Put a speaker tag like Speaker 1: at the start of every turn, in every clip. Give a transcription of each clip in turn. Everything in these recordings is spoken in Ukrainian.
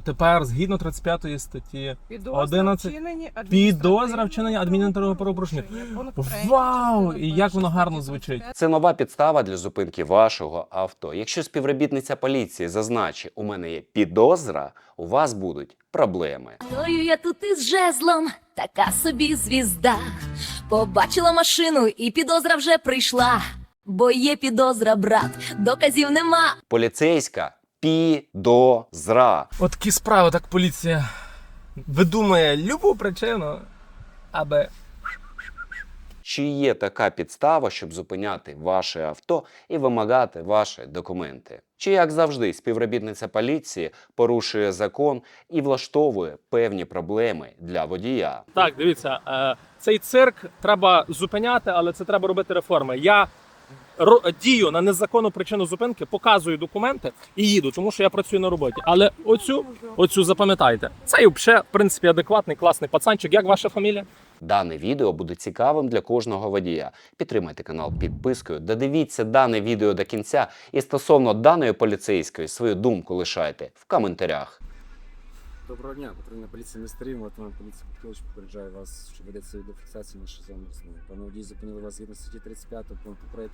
Speaker 1: Тепер, згідно 35 статті,
Speaker 2: Підозра
Speaker 1: 11 підозра вчинення адміністративного правопорушення. Вау! І як воно гарно звучить.
Speaker 3: Це нова підстава для зупинки вашого авто. Якщо співробітниця поліції зазначить, у мене є підозра, у вас будуть проблеми.
Speaker 4: Стою я тут із жезлом, така собі звізда. Побачила машину і підозра вже прийшла. Бо є підозра, брат, доказів нема.
Speaker 3: Поліцейська підозра.
Speaker 1: От такі справи, так поліція видумує любу причину, аби...
Speaker 3: Чи є така підстава, щоб зупиняти ваше авто і вимагати ваші документи? Чи, як завжди, співробітниця поліції порушує закон і влаштовує певні проблеми для водія?
Speaker 1: Так, дивіться, цей цирк треба зупиняти, але це треба робити реформи. Я дію на незаконну причину зупинки, показую документи і їду, тому що я працюю на роботі. Але оцю запам'ятайте. Це взагалі, в принципі, адекватний, класний пацанчик. Як ваша фамілія?
Speaker 3: Дане відео буде цікавим для кожного водія. Підтримайте канал підпискою, додивіться дане відео до кінця і стосовно даної поліцейської свою думку лишайте в коментарях.
Speaker 5: Доброго дня, патрульна поліція міста Рівне, лейтенант поліції Петрович попереджає вас, що ведеться відеофіксація нашої зони основи. Пане водій, зупинили вас згідно статті 35 пункту 3.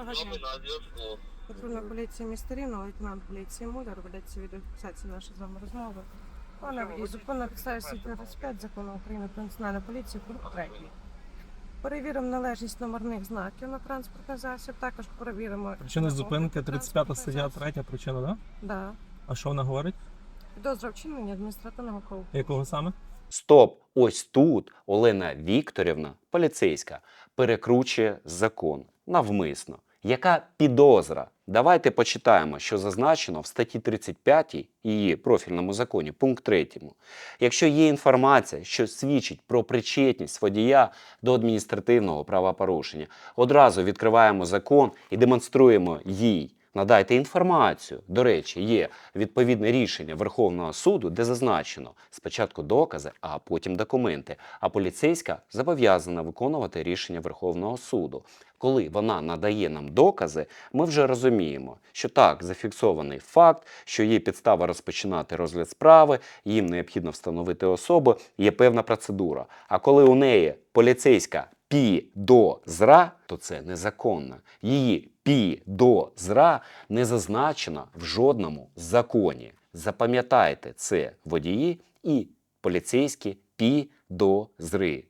Speaker 2: Патрульна поліція міста Рівне, лейтенант поліції Муляр, ведеться відеофіксація нашої з вами розмови. Пане водій, зупинна підставі статті 35 закону України про національну поліцію, пункт 3. Перевіримо належність номерних знаків на транспортний засіб, також перевіримо...
Speaker 1: Причина зупинки 35 стаття 3 причина, да?
Speaker 2: Да.
Speaker 1: А що вона говорить?
Speaker 2: Підозра вчинення адміністративного правопорушення.
Speaker 1: Якого саме?
Speaker 3: Стоп! Ось тут Олена Вікторівна, поліцейська, перекручує закон навмисно. Яка підозра? Давайте почитаємо, що зазначено в статті 35 її профільному законі, пункт 3. Якщо є інформація, що свідчить про причетність водія до адміністративного правопорушення, одразу відкриваємо закон і демонструємо їй. Надайте інформацію. До речі, є відповідне рішення Верховного суду, де зазначено спочатку докази, а потім документи. А поліцейська зобов'язана виконувати рішення Верховного суду. Коли вона надає нам докази, ми вже розуміємо, що так, зафіксований факт, що є підстава розпочинати розгляд справи, їм необхідно встановити особу, є певна процедура. А коли у неї поліцейська підозра, то це незаконно. Її підозра не зазначена в жодному законі. Запам'ятайте це, водії і поліцейські підозри.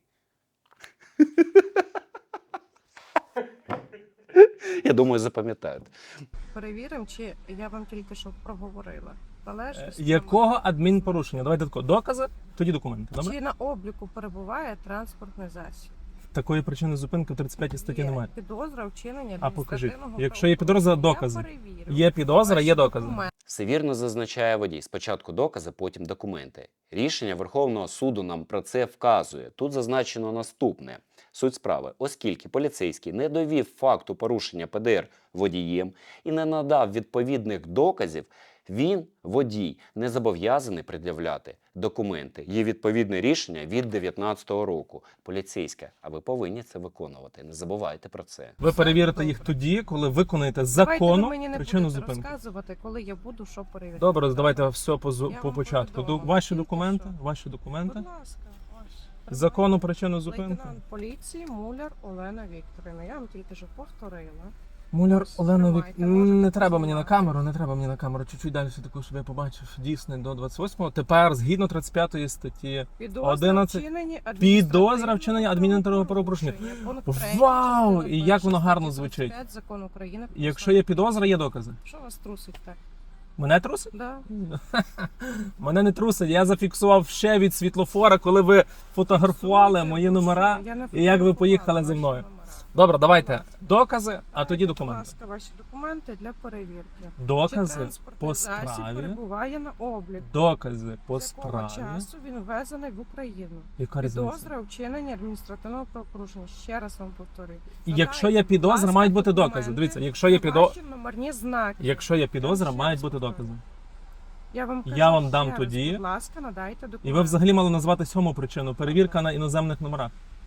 Speaker 3: Я думаю, запам'ятаєте.
Speaker 2: Перевіримо, чи я вам тільки що проговорила. Належність
Speaker 1: Якого адмінпорушення? Давайте тако. Докази, тоді документи. Добре?
Speaker 2: Чи на обліку перебуває транспортний засіб?
Speaker 1: Такої причини зупинки в 35 статті
Speaker 2: Є
Speaker 1: немає.
Speaker 2: підозра вчинення
Speaker 1: А покажіть.
Speaker 2: адміністративного
Speaker 1: Якщо є підозра,
Speaker 2: правопорушення.
Speaker 1: докази.
Speaker 2: Я перевірю.
Speaker 1: Є підозра, є
Speaker 2: Ваші
Speaker 1: докази.
Speaker 2: документи.
Speaker 3: Все вірно зазначає водій. Спочатку докази, потім документи. Рішення Верховного суду нам про це вказує. Тут зазначено наступне. Суть справи. Оскільки поліцейський не довів факту порушення ПДР водієм і не надав відповідних доказів, він, водій, не зобов'язаний пред'являти документи. Є відповідне рішення від 2019 року. Поліцейська, а ви повинні це виконувати. Не забувайте про це.
Speaker 1: Ви перевірите їх тоді, коли виконаєте
Speaker 2: Давайте ви
Speaker 1: законну
Speaker 2: мені не
Speaker 1: причину
Speaker 2: будете
Speaker 1: зупинки.
Speaker 2: розказувати, коли я буду що перевіряти.
Speaker 1: Добре, давайте все по
Speaker 2: Я вам
Speaker 1: початку.
Speaker 2: повідомила.
Speaker 1: Ваші
Speaker 2: Тільки
Speaker 1: документи,
Speaker 2: що.
Speaker 1: ваші документи.
Speaker 2: Будь ласка, ваш.
Speaker 1: Законну причину зупинки.
Speaker 2: Лейтенант поліції Муляр Олена Вікторівна. Я вам тільки що повторила.
Speaker 1: Муляр
Speaker 2: Ось,
Speaker 1: Олена
Speaker 2: тримайте,
Speaker 1: Вік...
Speaker 2: можете
Speaker 1: Не треба мені на
Speaker 2: познімати.
Speaker 1: камеру, не треба мені на камеру. Чуть-чуть далі таку, щоб я побачив. Дійсно, до 28-го. Тепер, згідно 35 статті,
Speaker 2: Підозра
Speaker 1: 11
Speaker 2: вчинення
Speaker 1: підозра вчинення адміністративного правопорушення.
Speaker 2: Пункт 3
Speaker 1: Вау!
Speaker 2: частини
Speaker 1: І як воно
Speaker 2: першої
Speaker 1: гарно
Speaker 2: статті
Speaker 1: звучить.
Speaker 2: 35 Закону України про
Speaker 1: Якщо є підозра, є докази.
Speaker 2: Що вас трусить так?
Speaker 1: Мене трусить?
Speaker 2: Да.
Speaker 1: Мене не трусить. Я зафіксував ще від світлофора, коли ви фотографували
Speaker 2: Слухайте,
Speaker 1: мої
Speaker 2: ну
Speaker 1: номера.
Speaker 2: що, я не
Speaker 1: і як ви
Speaker 2: фотографувала
Speaker 1: поїхали зі
Speaker 2: ваші
Speaker 1: мною.
Speaker 2: номера.
Speaker 1: Добре, давайте докази, а тоді
Speaker 2: Будь
Speaker 1: документи.
Speaker 2: ласка, ваші документи для перевірки. Чи
Speaker 1: Докази
Speaker 2: транспортний
Speaker 1: по
Speaker 2: засіб
Speaker 1: справі.
Speaker 2: перебуває на обліку.
Speaker 1: Докази по
Speaker 2: З якого
Speaker 1: справі.
Speaker 2: часу він ввезений в Україну?
Speaker 1: Яка різниця?
Speaker 2: Підозра у вчиненні адміністративного правопорушення. Ще раз вам повторюю.
Speaker 1: І якщо є
Speaker 2: Надайте,
Speaker 1: підозра,
Speaker 2: будь ласка,
Speaker 1: мають бути
Speaker 2: документи
Speaker 1: докази. Дивіться, якщо є
Speaker 2: та
Speaker 1: підозра,
Speaker 2: ваші номерні знаки.
Speaker 1: якщо є підозра,
Speaker 2: ще
Speaker 1: мають
Speaker 2: раз
Speaker 1: бути
Speaker 2: повторюю.
Speaker 1: докази.
Speaker 2: Я вам кажу
Speaker 1: Я вам
Speaker 2: ще
Speaker 1: дам
Speaker 2: раз,
Speaker 1: тоді.
Speaker 2: Будь ласка, надайте документи.
Speaker 1: І ви взагалі мали назвати 7-му причину. Перевірка на іноземних номерах.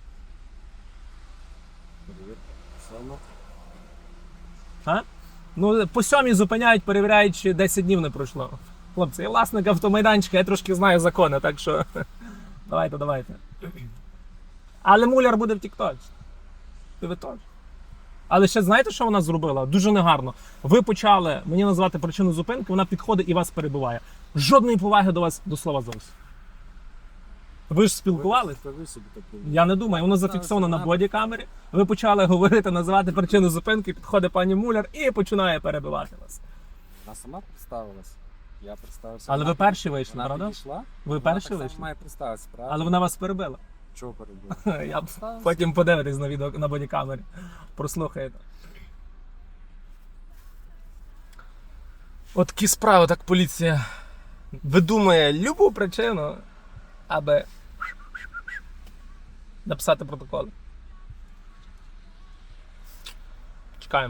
Speaker 5: Саме.
Speaker 1: А? Ну, по 7-й зупиняють, перевіряють, чи 10 днів не пройшло. Хлопці, я власник автомайданчика, я трошки знаю закони, так що давайте. Але муляр буде в тіктоці. І ви теж. Але ще знаєте, що вона зробила? Дуже негарно. Ви почали мені називати причину зупинки, вона підходить і вас перебиває. Жодної поваги до вас до слова зовсім. Ви ж спілкувалися?
Speaker 5: Ви собі так думаєте.
Speaker 1: Я не думаю, воно зафіксовано на бодікамері. Ви почали говорити, називати причину зупинки, підходить пані муляр і починає перебивати вас.
Speaker 5: Вона сама представилась. Я представився.
Speaker 1: Але ви перші вийшли,
Speaker 5: Вона
Speaker 1: правда?
Speaker 5: підійшла.
Speaker 1: Ви
Speaker 5: Вона
Speaker 1: перші
Speaker 5: так само
Speaker 1: вийшли?
Speaker 5: має представитися, правда?
Speaker 1: Але вона вас перебила.
Speaker 5: Чого перебув?
Speaker 1: Я б потім подивитись на відео на бодікамері. Прослухаєте. От такі справи, так поліція видумує любу причину, аби написати протоколи. Чекаємо.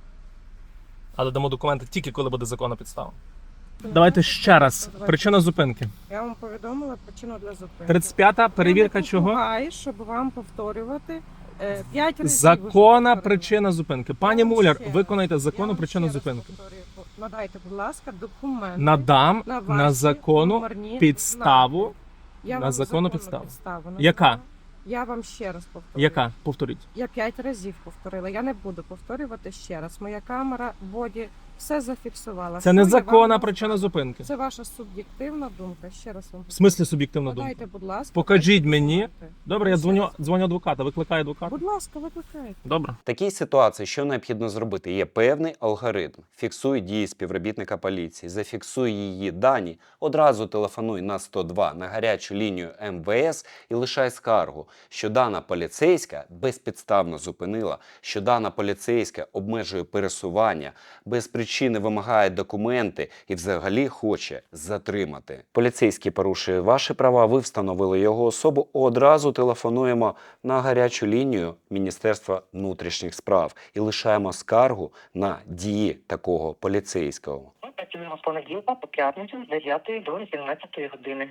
Speaker 1: Але дамо документи тільки коли буде законна підстава. Давайте ще раз. Причина зупинки.
Speaker 2: Я вам повідомила причину для зупинки.
Speaker 1: 35-та перевірка
Speaker 2: Я не
Speaker 1: чого?
Speaker 2: допомагаю, щоб вам повторювати 5 разів.
Speaker 1: Законна
Speaker 2: вже
Speaker 1: причина зупинки. Пані
Speaker 2: Я вам
Speaker 1: Муляр,
Speaker 2: ще раз-
Speaker 1: виконайте
Speaker 2: Я
Speaker 1: законну
Speaker 2: вам
Speaker 1: причину
Speaker 2: ще раз
Speaker 1: зупинки.
Speaker 2: повторюю. Надайте, будь ласка, документи.
Speaker 1: Надам
Speaker 2: на
Speaker 1: на
Speaker 2: ваші
Speaker 1: законну
Speaker 2: номерні
Speaker 1: підставу.
Speaker 2: знаки. Я
Speaker 1: на
Speaker 2: вам
Speaker 1: законну
Speaker 2: законну
Speaker 1: підставу.
Speaker 2: назвала.
Speaker 1: Яка?
Speaker 2: Я вам ще раз повторюю.
Speaker 1: Яка? Повторіть.
Speaker 2: Я 5 разів повторила. Я не буду повторювати ще раз. Моя камера в боді все зафіксувала.
Speaker 1: Це
Speaker 2: Що я
Speaker 1: незаконна
Speaker 2: вам
Speaker 1: причина
Speaker 2: назвала?
Speaker 1: зупинки.
Speaker 2: Це ваша суб'єктивна думка. Ще раз вам
Speaker 1: В смислі суб'єктивна думка?
Speaker 2: Подайте, будь ласка.
Speaker 1: Покажіть
Speaker 2: ваші
Speaker 1: мені.
Speaker 2: документи.
Speaker 1: Добре, я
Speaker 2: Ще
Speaker 1: дзвоню адвоката. Викликаю
Speaker 2: раз.
Speaker 1: адвоката.
Speaker 2: Будь ласка, викликайте.
Speaker 1: Добре.
Speaker 3: В такій ситуації що необхідно зробити? Є певний алгоритм. Фіксуй дії співробітника поліції, зафіксуй її дані, одразу телефонуй на 102 на гарячу лінію МВС і лишай скаргу, що дана поліцейська безпідставно зупинила, що дана поліцейська обмежує пересування, без причини вимагає документи і взагалі хоче затримати. Поліцейський порушує ваші права, ви встановили його особу, одразу телефонуємо на гарячу лінію Міністерства внутрішніх справ і лишаємо скаргу на дії такого поліцейського.
Speaker 6: Ми працюємо з понеділка по п'ятницю з 9 до 18 години.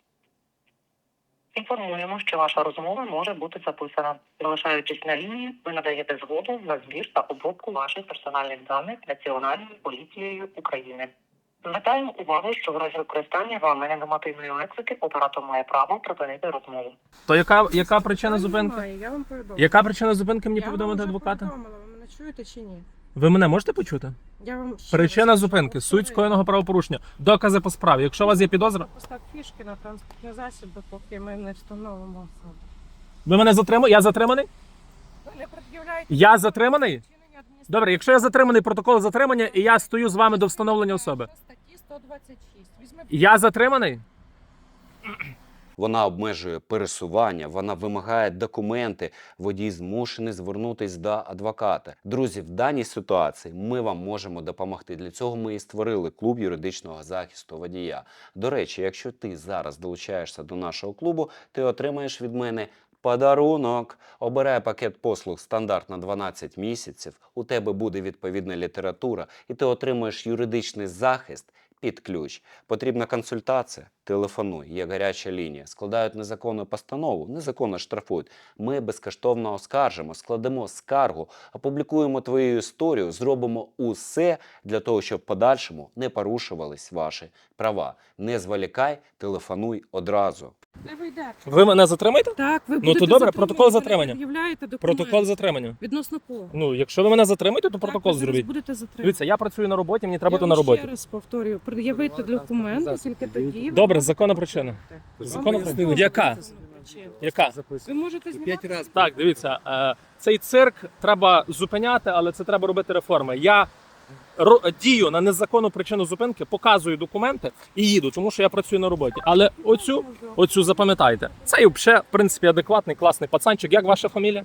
Speaker 6: Інформуємо, що ваша розмова може бути записана. Залишаючись на лінії, ви надаєте згоду на збір та обробку ваших персональних даних Національною поліцією України. Звертаємо увагу, що в разі використання вами ненормативної лексики оператор має право припинити розмову.
Speaker 1: То яка причина зупинки?
Speaker 2: Немає, я вам повідомила.
Speaker 1: Яка причина зупинки мені
Speaker 2: Я вам
Speaker 1: повідомити
Speaker 2: вже
Speaker 1: адвоката?
Speaker 2: повідомила. Ви мене чуєте чи ні?
Speaker 1: Ви мене можете почути?
Speaker 2: Я вам ще
Speaker 1: Причина
Speaker 2: раз
Speaker 1: зупинки.
Speaker 2: повторюю.
Speaker 1: Суть скоєного правопорушення. Докази по справі. Якщо у вас є підозра,
Speaker 2: Постав фішки на транспортний засіб, допоки ми не встановимо особу.
Speaker 1: ви мене затримали? Я затриманий?
Speaker 2: Ви не пред'являєте
Speaker 1: Я затриманий?
Speaker 2: вчинення адміністративного
Speaker 1: Добре, якщо я затриманий, протокол затримання, і я стою з вами до встановлення особи.
Speaker 2: Статті 126. Візьми
Speaker 1: Я затриманий?
Speaker 3: Вона обмежує пересування, вона вимагає документи, водій змушений звернутися до адвоката. Друзі, в даній ситуації ми вам можемо допомогти. Для цього ми і створили клуб юридичного захисту водія. До речі, якщо ти зараз долучаєшся до нашого клубу, ти отримаєш від мене подарунок. Обирай пакет послуг стандарт на 12 місяців, у тебе буде відповідна література і ти отримуєш юридичний захист під ключ. Потрібна консультація? Телефонуй, є гаряча лінія. Складають незаконну постанову, незаконно штрафують. Ми безкоштовно оскаржимо, складемо скаргу, опублікуємо твою історію, зробимо усе для того, щоб в подальшому не порушувались ваші права. Не зволікай, телефонуй одразу.
Speaker 2: Не вийдете.
Speaker 1: Ви мене затримаєте?
Speaker 2: Так, ви
Speaker 1: Ну,
Speaker 2: будете
Speaker 1: то добре,
Speaker 2: затримані,
Speaker 1: протокол
Speaker 2: ви не
Speaker 1: затримання.
Speaker 2: пред'являєте документи.
Speaker 1: Протокол затримання.
Speaker 2: Відносно кого?
Speaker 1: Ну, якщо ви мене затримаєте, то
Speaker 2: Так,
Speaker 1: протокол
Speaker 2: ви зараз
Speaker 1: зробіть.
Speaker 2: будете затримані.
Speaker 1: Дивіться, я працюю на роботі, мені треба
Speaker 2: Я
Speaker 1: бути на
Speaker 2: вам
Speaker 1: роботі.
Speaker 2: ще раз повторюю, пред'явити документи, тільки тоді. ви
Speaker 1: Добре,
Speaker 2: можете
Speaker 1: законна
Speaker 2: проходити.
Speaker 1: причина.
Speaker 2: Вам
Speaker 1: Законна
Speaker 2: пояснили,
Speaker 1: причина. Яка?
Speaker 2: законна причина.
Speaker 1: Яка?
Speaker 2: Ви можете знімати?
Speaker 1: Так, дивіться, цей цирк треба зупиняти, але це треба робити реформи. Я дію на незаконну причину зупинки, показую документи і їду, тому що я працюю на роботі. Але оцю запам'ятайте. Це і взагалі, в принципі, адекватний, класний пацанчик. Як ваша фамілія?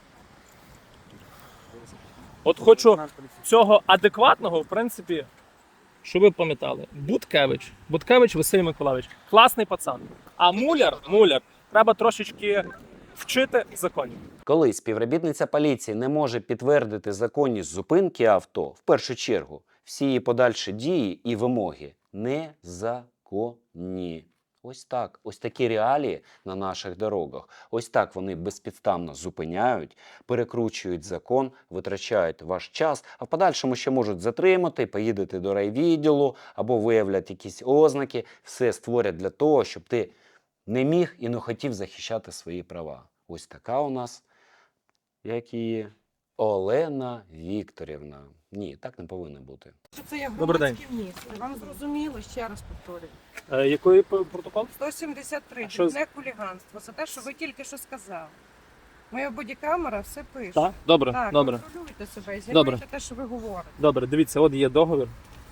Speaker 1: От хочу цього адекватного, в принципі, щоб ви пам'ятали. Буткевич Василь Миколайович. Класний пацан. А муляр, треба трошечки вчити законів.
Speaker 3: Коли співробітниця поліції не може підтвердити законність зупинки авто, в першу чергу, всі її подальші дії і вимоги незаконні. Ось так. Ось такі реалії на наших дорогах. Ось так вони безпідставно зупиняють, перекручують закон, витрачають ваш час, а в подальшому ще можуть затримати, поїдете до райвідділу або виявлять якісь ознаки. Все створять для того, щоб ти не міг і не хотів захищати свої права. Ось така у нас, як її, Олена Вікторівна. Ні, так не повинно бути.
Speaker 2: Що це є
Speaker 1: Добрий день.
Speaker 2: громадське місце? Вам зрозуміло, ще раз повторюю.
Speaker 1: Який протокол?
Speaker 2: 173,
Speaker 1: Що з-
Speaker 2: дрібне хуліганство. Це те, що ви тільки що сказали. Моя бодікамера все пише.
Speaker 1: Так? Добре,
Speaker 2: Так,
Speaker 1: добре.
Speaker 2: контролюйте себе і
Speaker 1: Добре.
Speaker 2: знімайте те, що ви говорите.
Speaker 1: Добре, дивіться, от є договір.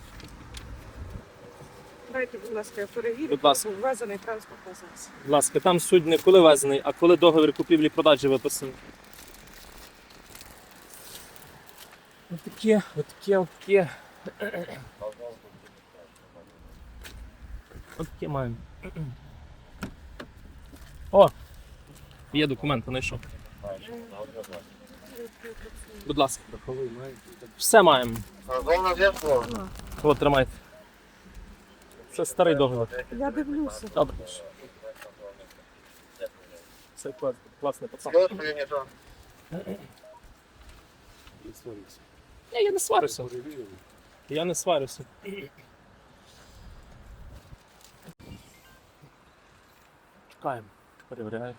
Speaker 2: Дайте, будь ласка, я перевірю,
Speaker 1: Будь ласка.
Speaker 2: був ввезений транспортний засіб.
Speaker 1: Будь ласка, там суть не коли везений, а коли договір купівлі-продажі виписаний. Отаке. Отаке маємо. О! Є документи, знайшов. Будь ласка. Все маємо. От, тримайте. Це старий договір.
Speaker 2: Я дивлюся.
Speaker 1: Добре. Це класний пацан. Ні, я не сварюся. Я не сварюся. Чекаємо. Перевіряємо.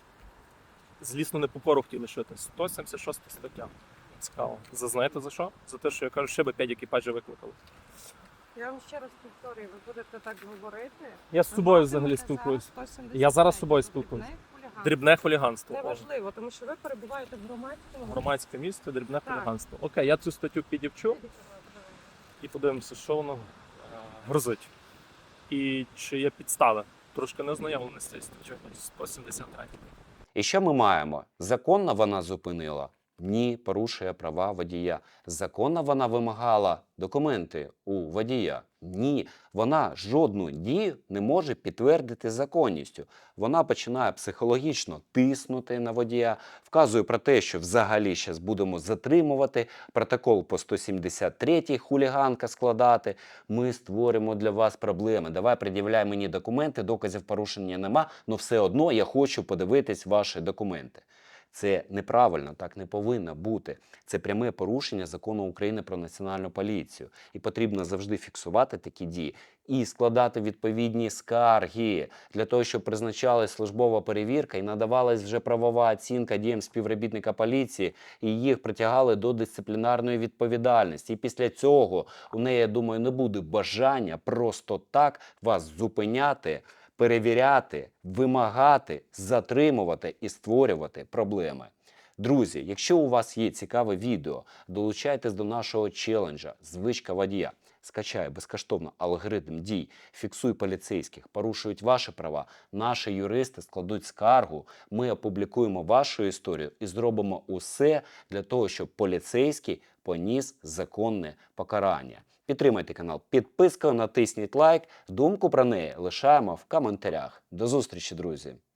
Speaker 1: Злісно не по пору хотіли шити. 176 стаття. Цікаво. Зазнаєте за що? За те, що я кажу, ще би 5 екіпажів викликали.
Speaker 2: Я вам ще раз повторюю, ви будете так говорити.
Speaker 1: Я з собою взагалі спілкуюсь. Я зараз з собою спілкуюсь. Дрібне хуліганство. О,
Speaker 2: Неважливо, тому що ви перебуваєте в громадському.
Speaker 1: громадське місто, дрібне
Speaker 2: Так.
Speaker 1: хуліганство. Окей, я цю статтю підівчу і подивимося, що воно грозить. І чи є підстави. Трошки не ознайомлений з цією статтею 173.
Speaker 3: І що ми маємо? Законно вона зупинила? Ні, порушує права водія. Законно вона вимагала документи у водія? Ні, вона жодну дію не може підтвердити законністю. Вона починає психологічно тиснути на водія, вказує про те, що взагалі зараз будемо затримувати, протокол по 173-й хуліганка складати. Ми створимо для вас проблеми. Давай пред'являй мені документи, доказів порушення нема, але все одно я хочу подивитись ваші документи. Це неправильно, так не повинно бути. Це пряме порушення Закону України про Національну поліцію. І потрібно завжди фіксувати такі дії і складати відповідні скарги для того, щоб призначалась службова перевірка і надавалась вже правова оцінка діям співробітника поліції, і їх притягали до дисциплінарної відповідальності. І після цього у неї, я думаю, не буде бажання просто так вас зупиняти, перевіряти, вимагати, затримувати і створювати проблеми. Друзі, якщо у вас є цікаве відео, долучайтесь до нашого челенджа «Звичка водія». Скачай безкоштовно алгоритм дій, фіксуй поліцейських, порушують ваші права, наші юристи складуть скаргу, ми опублікуємо вашу історію і зробимо усе для того, щоб поліцейський поніс законне покарання. Підтримайте канал підпискою, натисніть лайк, думку про неї лишаємо в коментарях. До зустрічі, друзі!